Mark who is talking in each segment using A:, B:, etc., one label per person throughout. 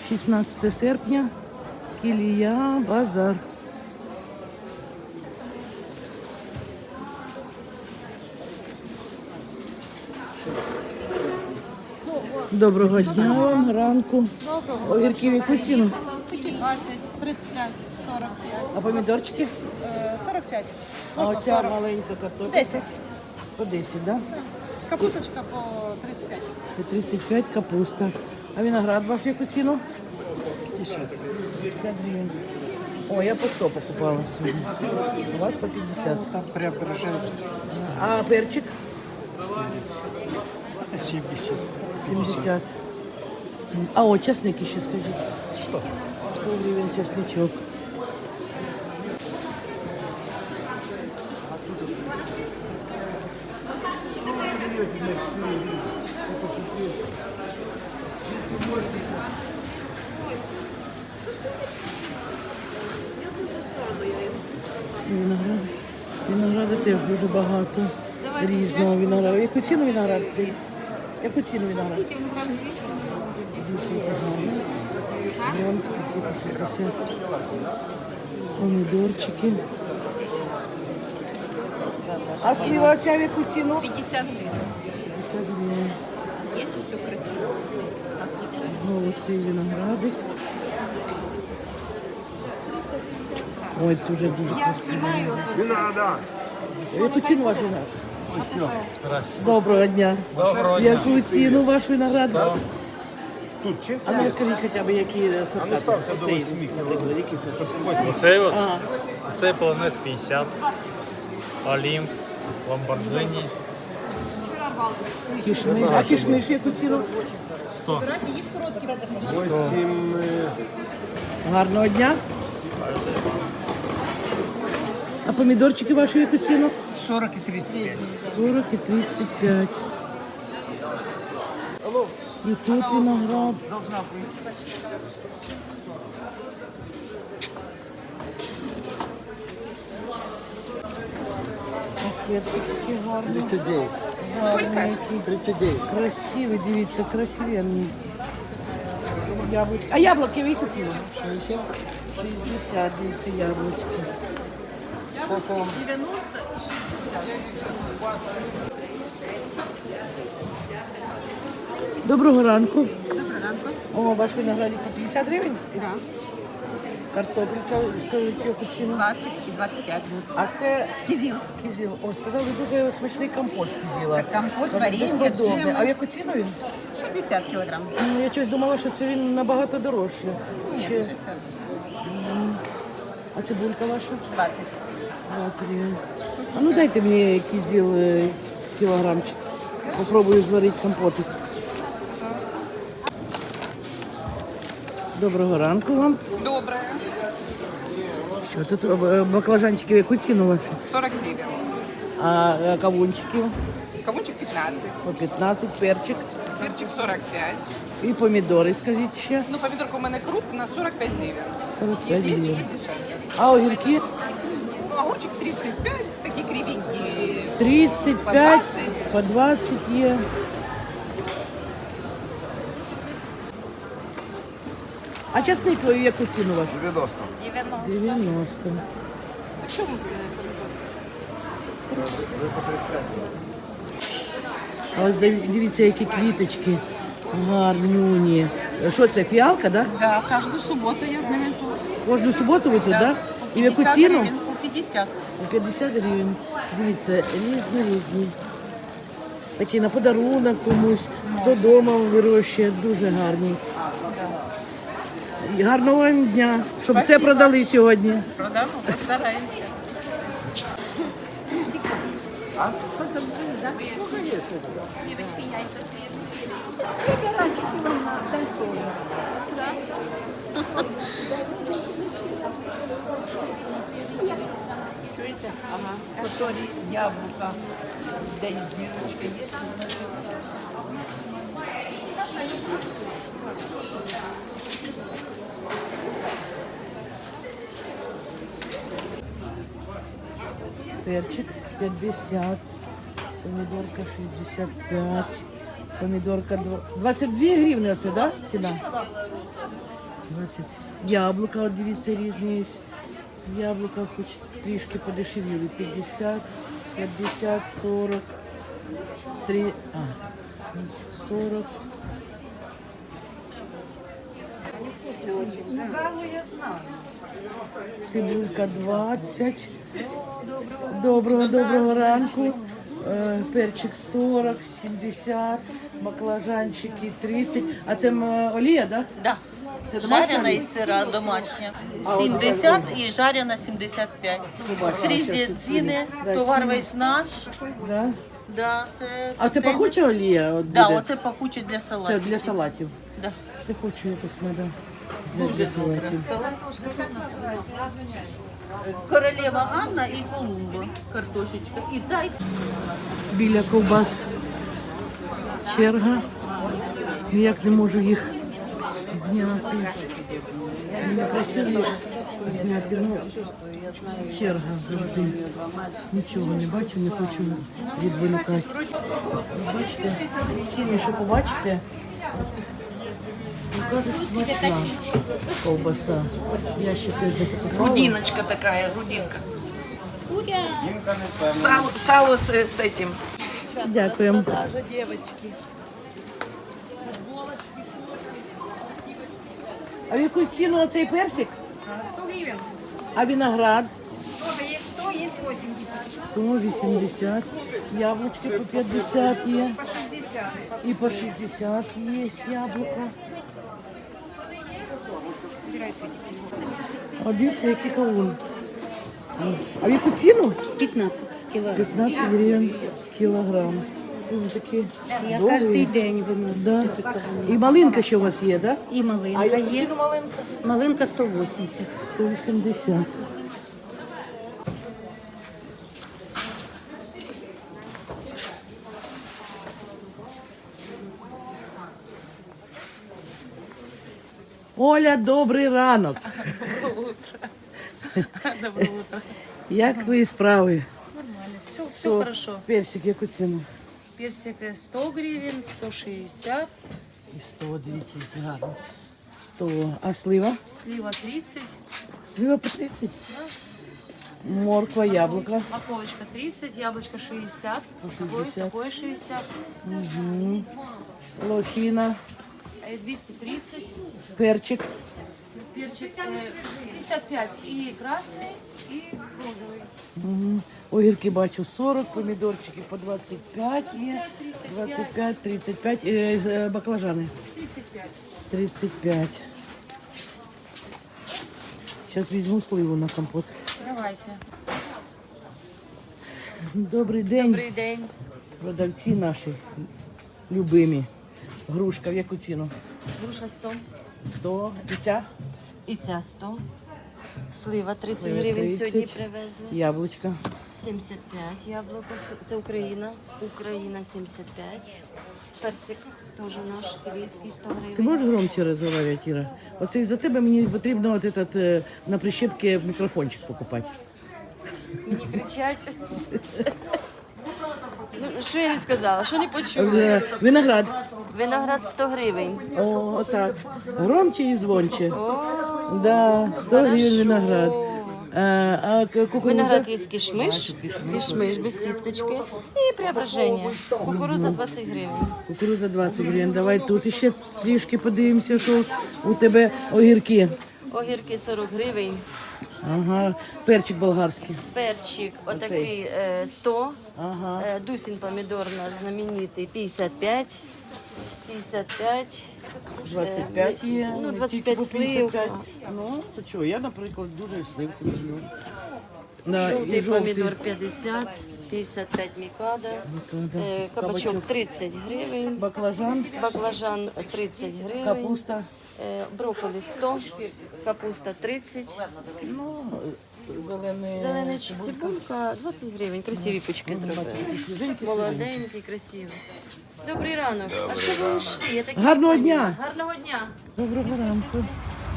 A: 16 серпня, Кілія, базар. Доброго дня вам, ранку. Огірки в яку ціну?
B: Такі 20, 35, 45.
A: А помідорчики?
B: 45.
A: А
B: Можна
A: оця
B: 40.
A: маленька картопля?
B: 10.
A: По 10, так? Да?
B: Капуточка по 35.
A: По 35 капуста. А виноград ваш в яку ціну? 50 гривень. О, я по 100 покупала сьогодні. У вас по 50.
C: Там преображение.
A: А перчик?
C: Это 70.
A: 70. А о, часник ще скажіть.
C: 100.
A: 100 гривень часничок. Виноград. Винограду теж дуже багато. Різного винограду. Яку ціну виноград цей? Яку ціну виноград? 200 гривень. Вон, 250. Помідорчики. А слива ця в яку ціну?
D: 50 гривен.
A: 50 гривень.
D: Есть все красиво.
A: Знову цей виноградик. Ой, дуже красиво. Яку ціну ваш виноград? Доброго дня.
E: Доброго дня.
A: Яку ціну ваш виноград?
E: Тут чисто?
A: А ну розкажіть хоча б, які сорта.
E: ставте до
A: Цей,
E: 8
A: наприклад, які сорта?
E: Оцей от,
A: Ага.
E: оцей полонез 50, Олімп, Ламборджині
A: Кішмиш. А кішмиш в яку ціну?
E: 100.
A: Гарного дня. А помідорчики ваші в яку ціну?
C: 40 и 35.
A: 40 і 35. І тут виноград. Ох, персик такий гарний.
C: 39.
A: Сколько?
C: 39.
A: Красивий, дивіться, красивенний. Яблуки. А яблуки в яку ціну?
C: 60.
A: 60, дивіться, яблучки. Доброго ранку.
B: Доброго ранку.
A: О, ваш виноградик по 50 гривень?
B: Да.
A: Картопелька, скажіть, яку ціну?
B: 20 і 25.
A: А це
B: Кізіл.
A: кізіл. О, сказали, дуже смачний компот з кізіла.
B: Так, компот,
A: Кажуть,
B: варенье,
A: безподобний.
B: джем.
A: А в яку ціну він?
B: 60 кілограм.
A: Ну, я щось думала, що це він набагато дорожче.
B: Ні,
A: Ще-
B: 60.
A: А цибулька ваша?
B: 20.
A: 20 гривень. А ну дайте мені кізіл кілограмчик. Попробую зварити компотик. Доброго ранку вам.
F: Доброе.
A: Що тут баклажанчики в яку ціну ваші?
F: 40 гривен.
A: А кавунчики
F: Кавунчик 15.
A: по 15, перчик
F: Перчик 45.
A: і помідори, скажіть ще.
F: Ну, помидорка у мене крупна 45 гривен.
A: 45
F: Есть меньше,
A: гривен.
F: чуть дешевле.
A: А огірки
F: Ну, огурчик 35, такие кривенькие.
A: 35,
F: По 20.
A: по 20 є. А часник в яку ціну вашу?
C: 90.
A: 90.
F: А что вы
A: А ось дивіться, які квіточки гарнюні. Що це, фіалка, да?
D: Да, каждую субботу я с ними тут.
A: Кожну суботу ви тут, да? І в яку
D: 50
A: ціну?
D: гривен, по 50.
A: По 50 гривень. Дивіться, різні. Такі на подарунок комусь, хто вдома вирощує, дуже гарні. І гарного вам дня, щоб все продали сьогодні.
D: Продамо, постараемся. Девочки, яйца свежие.
G: Который яблоко, да и дырочка есть.
A: Перчик 50, помидорка 65, Помідорка 22 гривні оце, да? Ціна? 20. Яблука, от дивіться, різні є. Яблука хоч трішки подешевіли. 50, 50, 40, 40. Цибулька 20. Доброго ранку. Перчик 40, 70, баклажанчики 30. А це олія, да?
H: Да.
A: Це домашня
H: Жарена
A: олія?
H: і сира домашня. 70 і жарена 75. Скрізь ціни, товар весь наш.
A: Да.
H: Да, це
A: А це
H: таке.
A: пахуча олія? От
H: Да,
A: буде?
H: оце пахуче для
A: Це
H: салатів.
A: для салатів.
H: Да.
A: Це хочу якось треба.
H: Дуже добре. Королева Анна і Колумба. Картошечка. І дай.
A: Біля ковбас черга. Ніяк не можу їх зняти. Не просили зняти, ну, черга завжди. Нічого не бачу, не хочу відволікати. Бачите, ціни, що побачите, кажуть, смачна ковбаса. Я ще теж не покупала.
F: Грудиночка такая, грудинка. Сало с этим.
A: Дякуємо. А в яку ціну оцей персик?
I: 100 гривен.
A: А виноград?
I: Тоже есть 100, есть 80.
A: 180. Яблучки по 50 є.
I: По 60.
A: І по 60 є яблука. А дивіться, який кавун. А в яку ціну?
J: 15 кілограм.
A: 15 гривень кілограм. Вони такі
J: Я
A: довгі.
J: кожен день виношу
A: Да.
J: такі кавуни.
A: І малинка ще у вас є, так?
J: І
A: А
J: малинка
A: яку
J: є.
A: ціну малинка?
J: Малинка 180.
A: 180. Оля, добрий ранок.
H: Доброе утро.
A: Як твої справи?
H: Нормально, все
A: Що?
H: хорошо.
A: Персик, яку ціну?
H: Персик 100 гривен, 160,
A: І 100, дивіться, який гарний. 100. А слива?
H: слива 30,
A: Слива по 30? Морква, яблука.
H: морковочка 30, яблочко 60,
A: По 60.
H: такое 60,
A: Лохина,
H: 230,
A: перчик.
H: перчик 55 и красный, и розовый.
A: Мгм. Огірки бачу 40, помідорчики по 25 є. 25, 35. Баклажани
H: 35.
A: 35. Зараз візьму сливу на компот.
H: Давайте.
A: Добрий день.
H: Добрий день.
A: Продавці наші любимі. Грушка, в яку ціну?
J: Груша 100.
A: 100. І ця?
J: І ця 100. Слива 30
A: Слива
J: гривень
A: 30.
J: сьогодні привезли.
A: Яблучка.
J: 75 яблуко. Це Україна. Україна 75. Персик теж наш київський 100
A: Ти
J: гривень.
A: можеш громче розмовляти, Іра? Оце із-за тебе мені потрібно от этот, на прищепці мікрофончик покупати.
J: Мені кричать. Ну, що я не сказала? Що не почули?
A: Виноград.
J: Виноград 100 гривень.
A: О, отак. Громче і звонче.
J: О,
A: Да, 100 гривень виноград. А кукуруза?
J: виноград є кишмиш, кишмиш без кісточки і преображення. Кукуруза 20 гривень.
A: Кукуруза 20 гривень. Давай тут ще трішки подивимося, що у тебе огірки.
J: Огірки 40 гривень.
A: Ага, перчик болгарський.
J: Перчик отакий 100.
A: Ага.
J: Дусін помідор наш знаменитий 55. 55.
A: 25 є.
J: Ну,
A: тільки
J: 25
A: по 55.
J: сливка.
A: Ну, то чого, я, наприклад, дуже сливки люблю. Да,
J: Жовтий
A: і
J: помідор 50, 55 мікада.
A: Мікада.
J: Кабачок 30 гривень.
A: Баклажан,
J: Баклажан 30 гривень.
A: капуста.
J: Брокколі 100, капуста 30.
A: Ну, зелений.
J: Зелена цибулька 20 гривень. Красиві пучки зробили. Молоденькі, красиві. Добрий ранок. А що ви йшли? Я так і не
A: Гарного
J: поняла.
A: дня.
J: Гарного дня.
A: Доброго ранку.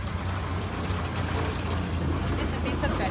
D: 255.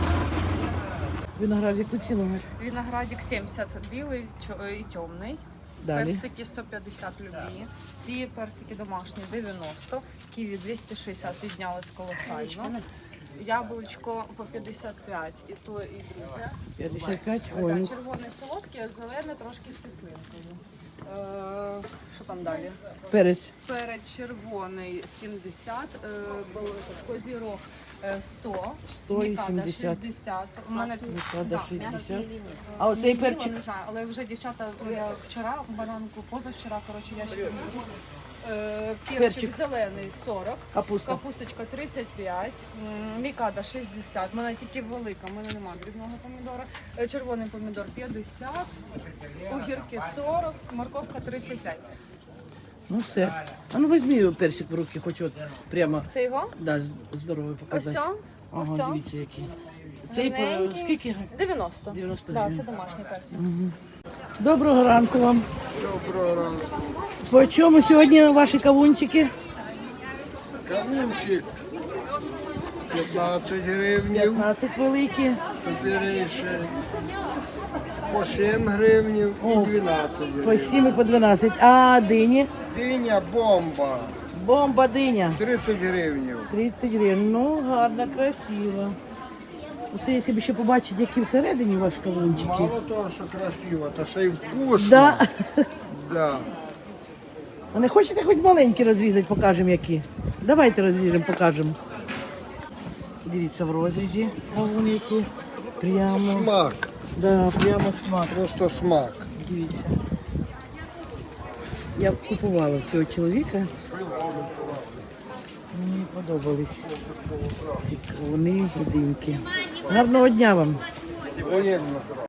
A: Виноград, яку ціну?
D: Виноградик 70 белый и темный.
A: Далі.
D: Перстики 150 любі. Ці перстики домашні 90. Ківі 260 піднялись колосально. Яблучко по 55 і то, і друге.
A: 55, ой,
D: Так,
A: ну,
D: червоне солодке, а зелене трошки з кислинкою. Що там далі?
A: перець.
D: Перець червоний 70, козірог 100,
A: 100 і
D: мікада
A: 70.
D: 60. У мене
A: Мікада
D: да,
A: 60. А оцей
D: Ні,
A: перчик?
D: не знаю, але вже дівчата, я вчора бананку, позавчора, коротше, я ще не можу.
A: Перчик.
D: Перчик зелений 40,
A: Капуста.
D: капусточка 35, мікада 60, в мене тільки велика, в мене немає дрібного помідора, червоний помідор 50, огірки 40, морковка 35.
A: Ну все. А ну візьми персик в руки, хоч от прямо.
D: Це його?
A: Да, здоровий показати.
D: Ось.
A: Ага,
D: Ось.
A: дивіться який. Цей по
D: Гарненький.
A: скільки?
D: 90.
A: 90
D: Да,
A: гривень.
D: це домашній перстик.
A: Доброго ранку вам.
C: Доброго ранку.
A: По чому сьогодні ваші кавунчики?
C: Кавунчик 15 гривнів,
A: 15 великі.
C: супірейший по 7 гривнів і 12
A: По
C: гривень.
A: 7 і по 12. А дині?
C: Диня бомба
A: Бомба диня.
C: 30 гривнів.
A: 30 гривень. Ну, гарно, красиво. Оце, якщо б ще побачити, які всередині ваші кавунчики.
C: Мало того, що красиво, та ще й вкусно.
A: Да.
C: Да.
A: А не хочете хоч маленькі розрізати, покажемо які? Давайте розріжемо, покажемо. Дивіться, в розрізі кавун які. Прямо.
C: Смак,
A: Да, прямо смак.
C: просто смак.
A: Дивіться. Я купувала цього чоловіка. Мені подобались ці кавуни і диньки. Гарного дня вам!
C: Взаємно.